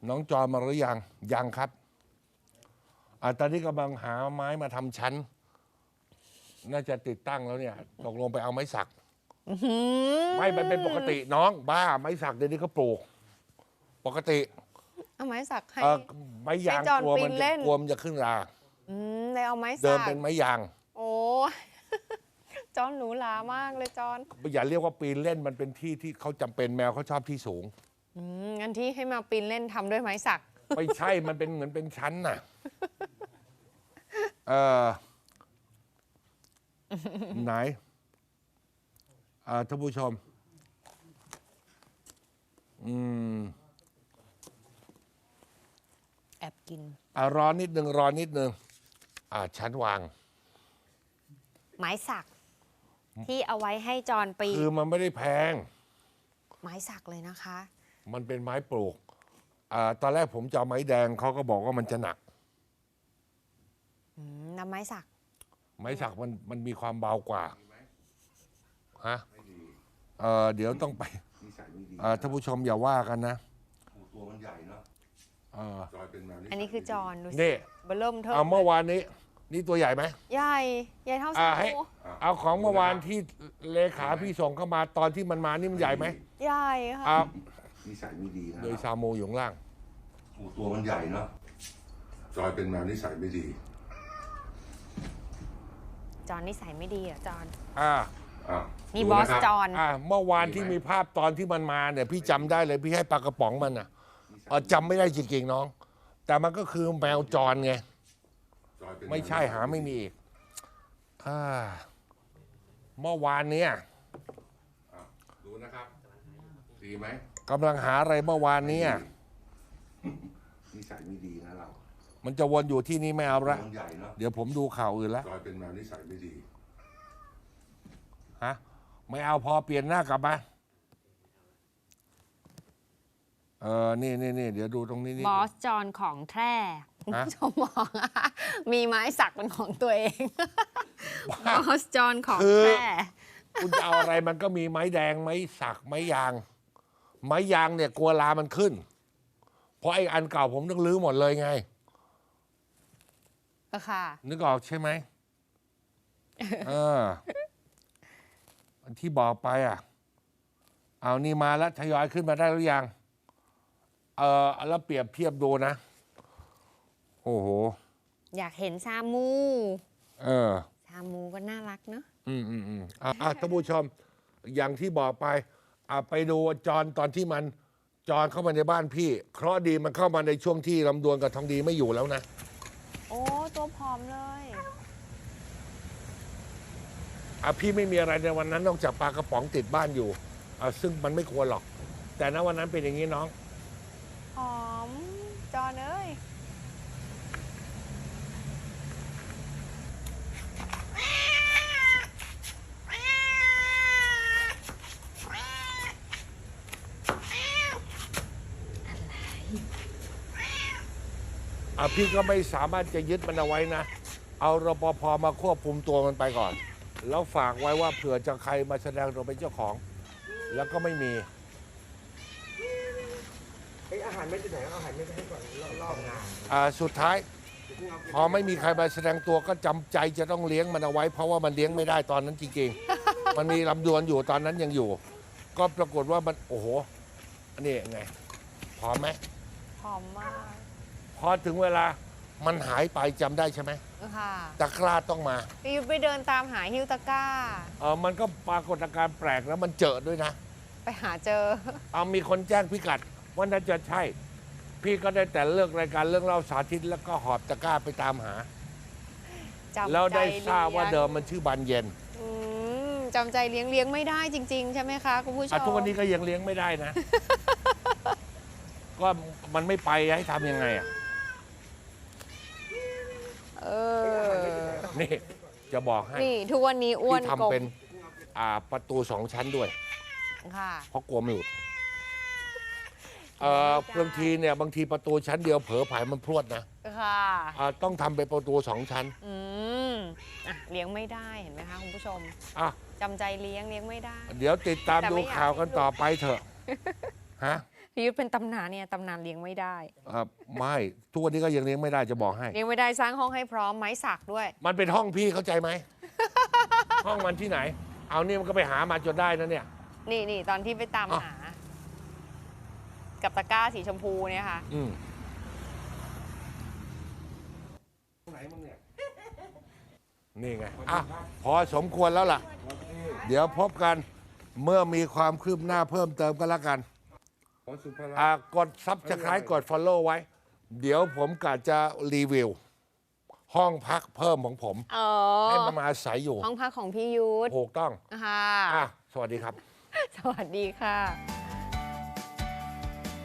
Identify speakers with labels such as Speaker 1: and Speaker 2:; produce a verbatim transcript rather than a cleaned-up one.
Speaker 1: น้องจอยมาหรือยังยังครับอ่าตอนนี้กำลังหาไม้มาทำชั้นน่าจะติดตั้งแล้วเนี่ยตกลงไปเอาไม้สักไม่มันเป็นปกติน้องบ้าไม้สักเดี๋ยวนี้เขาปลูกปกติ
Speaker 2: เอาไม้สักให้
Speaker 1: ไม้ยางกลัวมันจะกลัวมันจะขึ้นรา
Speaker 2: อืมเลยเอาไม้สัก
Speaker 1: เดิมเป็นไม้ยาง
Speaker 2: โอ้จอนหนูหลามากเลยจอน
Speaker 1: อย่าเรียกว่าปีนเล่นมันเป็นที่ที่เขาจำเป็นแมวเขาชอบที่สูง
Speaker 2: อืมงั้นที่ให้มาปีนเล่นทำด้วยไม้สัก
Speaker 1: ไม่ใช่มันเป็นเหมือนเป็นชั้นน่ะเออไหนท่านผู้ชมอืม
Speaker 2: แอบกิน
Speaker 1: อ่ารอนิดนึงรอนิดนึงอ่าชั้นวาง
Speaker 2: ไม้สักที่เอาไว้ให้จอนปี
Speaker 1: คือมันไม่ได้แพง
Speaker 2: ไม้สักเลยนะคะ
Speaker 1: มันเป็นไม้ปลูกอ่าตอนแรกผมจะเอาไม้แดงเขาก็บอกว่ามันจะหนัก
Speaker 2: น้ำไม้สัก
Speaker 1: ไม้สักมันมันมีความเบากว่าฮะเออเดี๋ยวต้องไปท่านผู้ชมอย่าว่ากันนะ
Speaker 3: ตัวมันใหญ่เนาะ
Speaker 2: อันนี้คือจอนดูสิ
Speaker 1: นี่
Speaker 2: เบลเริ่มเท่า
Speaker 1: เอาเมื่อวานนี้นี่ตัวใหญ่ไหม
Speaker 2: ใหญ่ใหญ่เท่าสา
Speaker 1: มูเอาของเมื่อวานที่เลขาพี่ส่งเข้ามาตอนที่มันมานี่มันใหญ่ไหม
Speaker 2: ใหญ่ค่ะ
Speaker 3: นิสัยไม่ดีนะ
Speaker 1: โดยซาโมอยู่ข้างล่าง
Speaker 3: ตัวมันใหญ่เนาะจอยเป็นแมวนิสัยไม่ดี
Speaker 2: จอนนิสัยไม่ดีอ่ะจอน
Speaker 1: อ่า
Speaker 2: นี่บอสจอน
Speaker 1: อ่าเมื่อวานที่มีภาพตอนที่มันมาเนี่ยพี่จำได้เลยพี่ให้ปลากระป๋องมันอ่ะจำไม่ได้จริงๆน้องแต่มันก็คือแมวจรไงไม่ใช่หาไม่มีอีกเมื่อวานเนี้ย
Speaker 3: ดูนะครับดีไหม
Speaker 1: กำลังหาอะไรเมื่อวานเนี้ย
Speaker 3: นิสัยไม่ดีนะเรา
Speaker 1: มันจะวนอยู่ที่นี่ไม่เอาละเดี๋ยวผมดูข่าวอื่นแล้ว
Speaker 3: จอยเป็นแมวนิสัยไม่ดี
Speaker 1: ฮะไม่เอาพอเปลี่ยนหน้ากลับมาเออนี่นี่นี่เดี๋ยวดูตรงนี้นี่
Speaker 2: บอสจอนของแท้คุณผู้ชมมองมีไม้สักเป็นของตัวเองบอสจอนของแท้
Speaker 1: คุณจะเอาอะไรมันก็มีไม้แดงไม้สักไม้ยางไม้ยางเนี่ยกลัวลามันขึ้นเพราะไอ้อันเก่าผมต้องรื้อหมดเลยไง
Speaker 2: ค่ะ
Speaker 1: นึกออกใช่ไหมเออที่บอกไปอ่ะเอานี่มาแล้วทยอยขึ้นมาได้หรือยังเออแล้วเปรียบเทียบดูนะโอ้โห
Speaker 2: อยากเห็นซามู
Speaker 1: เออ
Speaker 2: ซามูก็น่ารักเนอะ
Speaker 1: อืมอืมอืมอ่ะท่านผู้ชมอย่างที่บอกไปอ่ะไปดูจอนตอนที่มันจอนเข้ามาในบ้านพี่เคราะห์ดีมันเข้ามาในช่วงที่ลำดวนกับทองดีไม่อยู่แล้วนะ
Speaker 2: โอ้ตัวผอมเลย
Speaker 1: อ่ะพี่ไม่มีอะไรในวันนั้นนอกจากปลากระป๋องติดบ้านอยู่อ่ะซึ่งมันไม่ควรหรอกแต่ณวันนั้นเป็นอย่างนี้น้อง
Speaker 2: หอมจอนเอ้ย
Speaker 1: อ่ะพี่ก็ไม่สามารถจะยึดมันเอาไว้นะเอารปภมาควบคุมตัวมันไปก่อนแล้วฝากไว้ว่าเผื่อจะใครมาแสดงตัวเป็นเจ้าของแล้วก็ไม่มี
Speaker 4: อาหารไม่จะไหนอาหารไม่ให้ก่อนรอบงาน
Speaker 1: อ่าสุดท้ายพอไม่มีใครมาแสดงตัวก็จำใจจะต้องเลี้ยงมันเอาไว้เพราะว่ามันเลี้ยงไม่ได้ตอนนั้นจริงๆมันมีลำดวนอยู่ตอนนั้นยังอยู่ก็ปรากฏว่ามันโอ้โหอันนี้ไงพร้อมไหม
Speaker 2: พร้อมมาก
Speaker 1: พอถึงเวลามันหายไปจำได้ใช่ไหม
Speaker 2: ค่ะ
Speaker 1: ตะกร้าต้องมา
Speaker 2: พี่ไปเดินตามหาฮิวตะกร้า
Speaker 1: เออมันก็ปรากฏอาการแปลกแล้วมันเจอด้วยนะ
Speaker 2: ไปหาเจอ
Speaker 1: เอามีคนแจ้งพิกัดว่าน่าจะใช่พี่ก็ได้แต่เลือกรายการเรื่องเล่าสาธิตแล้วก็หอบตะกร้าไปตามหาแล้วได้ทราบว่าเดิมมันชื่อบานเย็น
Speaker 2: จำใจเลี้ยงเลี้ยงไม่ได้จริงๆใช่ไหมคะคุณผู้ชม
Speaker 1: ทุกวันนี้ก็ยังเลี้ยงไม่ได้นะก็มันไม่ไปให้ทำยังไงอ่ะ
Speaker 2: เออ
Speaker 1: นี่จะบอกให้
Speaker 2: นี่ทุกวันนี้อ้วน
Speaker 1: ทำเป็นอ่าประตูสองชั้นด้วย
Speaker 2: ค่ะ
Speaker 1: เพราะกลัวไม่หลุดเอ่อบางทีเนี่ยบางทีประตูชั้นเดียวเผลอผายมันพรวดนะ
Speaker 2: ค่ะ
Speaker 1: อ่าต้องทำเป็นประตูสองชั้น
Speaker 2: อืมอ่ะเลี้ยงไม่ได้เห็นไหมคะคุณผู้ชม
Speaker 1: อ่ะ
Speaker 2: จำใจเลี้ยงเลี้ยงไม่ได้
Speaker 1: เดี๋ยวติดตามดูข่าวกันต่อไปเถอะฮะ
Speaker 2: พี่ยุทธเป็นตำนานเนี่ยตำนานเลี้ยงไม่ได้
Speaker 1: อ่าไม่ทุกวันนี้ก็ยังเลี้ยงไม่ได้จะบอกให้
Speaker 2: เลี้ยงไม่ได้สร้างห้องให้พร้อมไม้สักด้วย
Speaker 1: มันเป็นห้องพี่เข้าใจไหม ห้องมันที่ไหน เอานี่มันก็ไปหามาจนได้นะเนี่ย
Speaker 2: นี่นี่ตอนที่ไปตาม
Speaker 1: อ้าว
Speaker 2: หา กับตะกร้าสีชมพูเนี่ยค่ะ
Speaker 1: อืม
Speaker 4: ไหนมึงเนี่ย
Speaker 1: นี่ไงอ่ะพอสมควรแล้วล่ะ เดี๋ยวพบกันเมื่อมีความคืบหน้าเพิ่มเติมก็แล้วกัน
Speaker 3: ขอสุภาระ
Speaker 1: อ่ากดซับสไครต์กด Follow ไว้ เดี๋ยวผมกะจะรีวิว ห้องพักเพิ่มของผม
Speaker 2: อ๋อ
Speaker 1: ให้มันมาอาศัยอยู่
Speaker 2: ห้องพักของพี่ยุทธ
Speaker 1: ถูกต้อง
Speaker 2: ค่ะ
Speaker 1: อ่ะ สวัสดีครับ
Speaker 2: สวัสดีค่ะ